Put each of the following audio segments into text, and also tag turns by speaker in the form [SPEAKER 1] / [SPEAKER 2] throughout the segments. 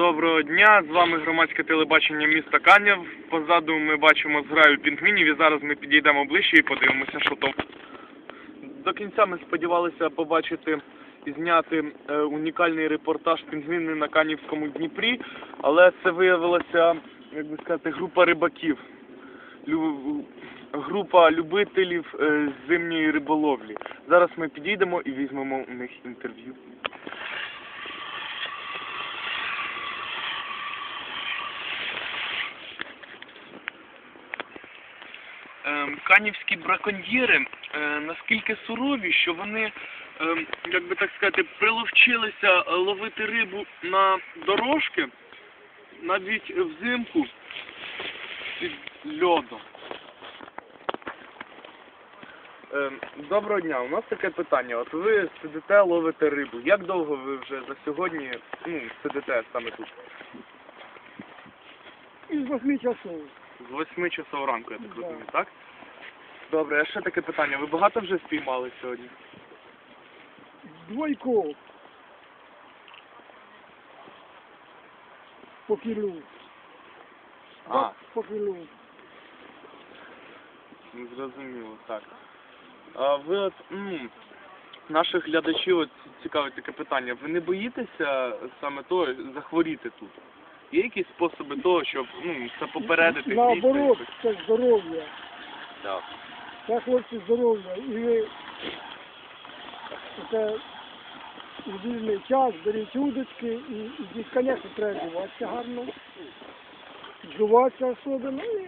[SPEAKER 1] Доброго дня, з вами громадське телебачення міста Канів. Позаду ми бачимо зграю пінгвінів і зараз ми підійдемо ближче і подивимося, що там. До кінця ми сподівалися побачити і зняти унікальний репортаж пінгвіни на Канівському Дніпрі, але це виявилася, як би сказати, група рибаків, група любителів зимньої риболовлі. Зараз ми підійдемо і візьмемо у них інтерв'ю. Канівські браконьєри наскільки сурові, що вони, як би так сказати, приловчилися ловити рибу на дорожки, навіть взимку під льодом. Доброго дня, у нас таке питання. От ви сидите, ловите рибу. Як довго ви вже за сьогодні сидите саме тут?
[SPEAKER 2] Із 8 часов.
[SPEAKER 1] З 8 часов ранку, я так розумію, так? Добре, а ще таке питання. Ви багато вже спіймали сьогодні?
[SPEAKER 2] Двойко. По кілу. По кілу.
[SPEAKER 1] Зрозуміло, так. А ви от, наших глядачів от цікавить таке питання. Ви не боїтеся саме того захворіти тут? Є якісь способи того, щоб, це попередити?
[SPEAKER 2] Наоборот, це здоров'я.
[SPEAKER 1] Так.
[SPEAKER 2] Це, хлопці, здоров'я. І ви це у вільний час беріть удочки і звісно, треба вживатися гарно. Вживатися особливо. І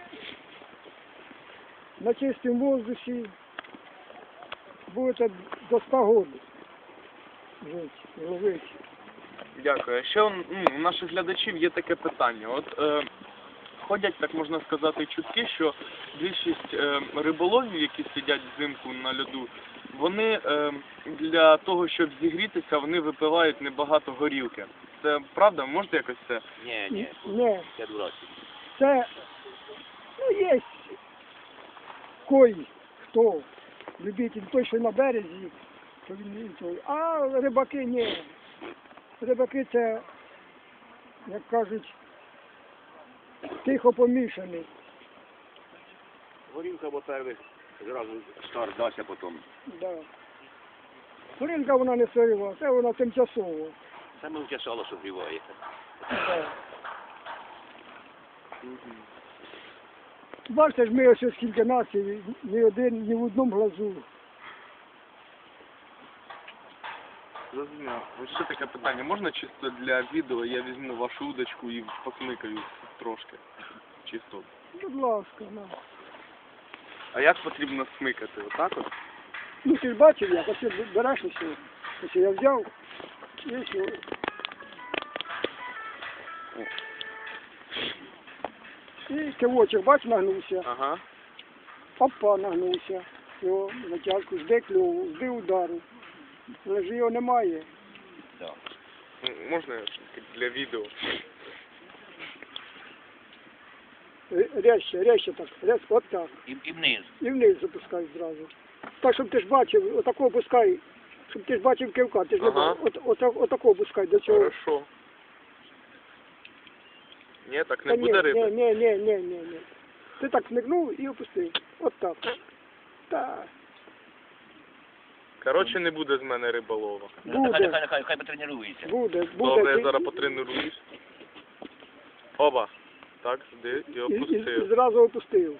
[SPEAKER 2] на чистому воздусі будете до 100 років жити, ловити.
[SPEAKER 1] Дякую. А ще у наших глядачів є таке питання. От ходять, так можна сказати, чутки, що більшість риболовів, які сидять взимку на льоду, вони для того, щоб зігрітися, вони випивають небагато горілки. Це правда? Можете якось це?
[SPEAKER 2] Ні. Я дурачий. Це, є кої, хто любитель той, що на березі, то він той. А рибаки ні. Рибаки це, як кажуть, тихо помішаний.
[SPEAKER 3] Горілка, бо перший зразу стар дася потім.
[SPEAKER 2] Да. Горілка вона не сирива, це вона тимчасово.
[SPEAKER 3] Саме втішало, що вбиває.
[SPEAKER 2] Да. Бачите ж, ми ось скільки націй, ні в одному глазу.
[SPEAKER 1] Зрозуміло. Ось ще таке питання. Можна чисто для відео я візьму вашу удочку і посмикаю трошки? Чисто.
[SPEAKER 2] Будь ласка, на.
[SPEAKER 1] А як потрібно смикати? Отак от?
[SPEAKER 2] Ти ж бачив, як ось береш усе. Ось я взяв і все. І кивочок, бач, нагнувся.
[SPEAKER 1] Ага.
[SPEAKER 2] Опа, нагнувся. Його затяжку, жде кльову, жди удару. Але ж його немає.
[SPEAKER 3] Да.
[SPEAKER 1] Можна для відео?
[SPEAKER 2] Резче так, от так.
[SPEAKER 3] І вниз.
[SPEAKER 2] І вниз запускай зразу. Так, щоб ти ж бачив, отако опускай, щоб ти ж бачив кивка, ти ж не бачив, отако опускай до цього.
[SPEAKER 1] Хорошо. Ні, так не буде риби?
[SPEAKER 2] Ні. Ти так смикнув і опустив. От так. Так.
[SPEAKER 1] Коротше, не буде з мене риболова.
[SPEAKER 2] Буде.
[SPEAKER 3] Хай потренується.
[SPEAKER 2] Буде.
[SPEAKER 1] Добре, я зараз потренуюсь. Оба. Так, сюди і
[SPEAKER 2] І
[SPEAKER 1] опустив.
[SPEAKER 2] зразу опустив.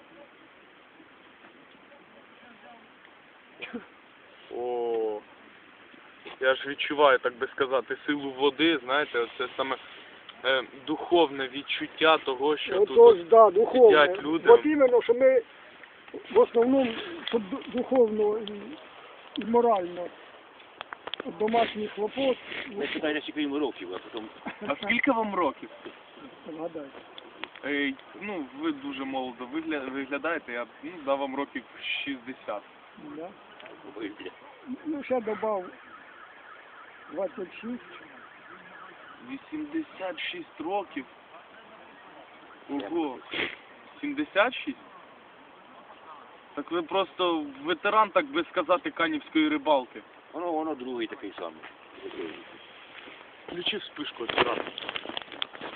[SPEAKER 1] О, я ж відчуваю, так би сказати, силу води, знаєте, це саме духовне відчуття того, що
[SPEAKER 2] Отож,
[SPEAKER 1] тут
[SPEAKER 2] да, духовно.
[SPEAKER 1] сидять люди.
[SPEAKER 2] От іменно, що ми в основному, щоб духовно і морально от домашніх хлопот,
[SPEAKER 3] Ми питаємо, скільки йому років, а потім...
[SPEAKER 1] А скільки вам років?
[SPEAKER 2] згадайте.
[SPEAKER 1] Ви дуже молодо виглядаєте, я дав вам років 60.
[SPEAKER 2] Да?
[SPEAKER 3] Ой, бля.
[SPEAKER 2] Ну, ще добав 26.
[SPEAKER 1] 86 років. Ого. 76? Так ви просто ветеран, так би сказати, канівської рибалки.
[SPEAKER 3] Воно другий такий самий.
[SPEAKER 1] Включи вспишку, ветеран.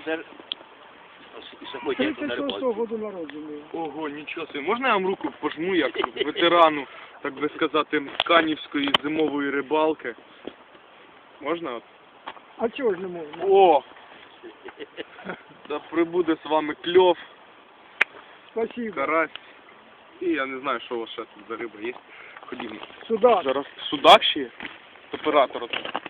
[SPEAKER 3] Оце і сьогодні на
[SPEAKER 2] 36-го
[SPEAKER 3] рибалці.
[SPEAKER 2] году народжений.
[SPEAKER 1] Ого, нічого собі. Можна я вам руку пожму, як ветерану, так би сказати, канівської зимової рибалки? Можна? От?
[SPEAKER 2] А чого ж не можна?
[SPEAKER 1] О! Та прибуде з вами кльов,
[SPEAKER 2] Спасибо.
[SPEAKER 1] карась. І я не знаю, що у вас ще тут за риба є. Ходімо.
[SPEAKER 2] Сюда.
[SPEAKER 1] Зараз судак ще є? Оператор.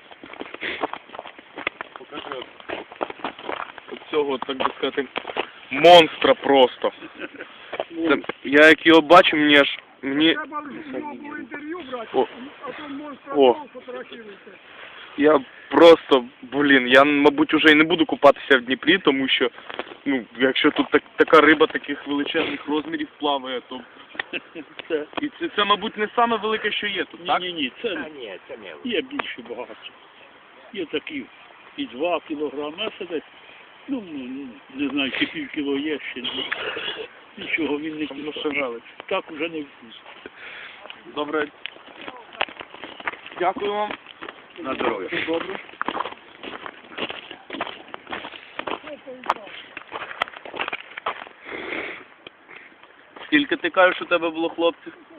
[SPEAKER 1] Покажи от цього, так би сказати, монстра просто. Це, я як його бачу, мені
[SPEAKER 2] Треба з нього було інтерв'ю брати,
[SPEAKER 1] О.
[SPEAKER 2] а то монстра
[SPEAKER 1] О.
[SPEAKER 2] фотографіруйте.
[SPEAKER 1] я просто, я, мабуть, уже і не буду купатися в Дніпрі, тому що, якщо тут така риба таких величезних розмірів плаває, то і це, мабуть, не саме велике, що є тут, так?
[SPEAKER 4] Ні,
[SPEAKER 3] А,
[SPEAKER 4] це
[SPEAKER 3] ні, це не.
[SPEAKER 4] є більше багато. Є такі і 2 кілограми, а це десь, не знаю, чи пів кіло є ще. Нічого він не
[SPEAKER 1] Ну,
[SPEAKER 4] кусає.
[SPEAKER 1] шагали.
[SPEAKER 4] Так уже не вкус.
[SPEAKER 1] Добре. Дякую вам.
[SPEAKER 3] На здоров'я.
[SPEAKER 1] Все добре. Скільки ти кажеш, у тебе було хлопців?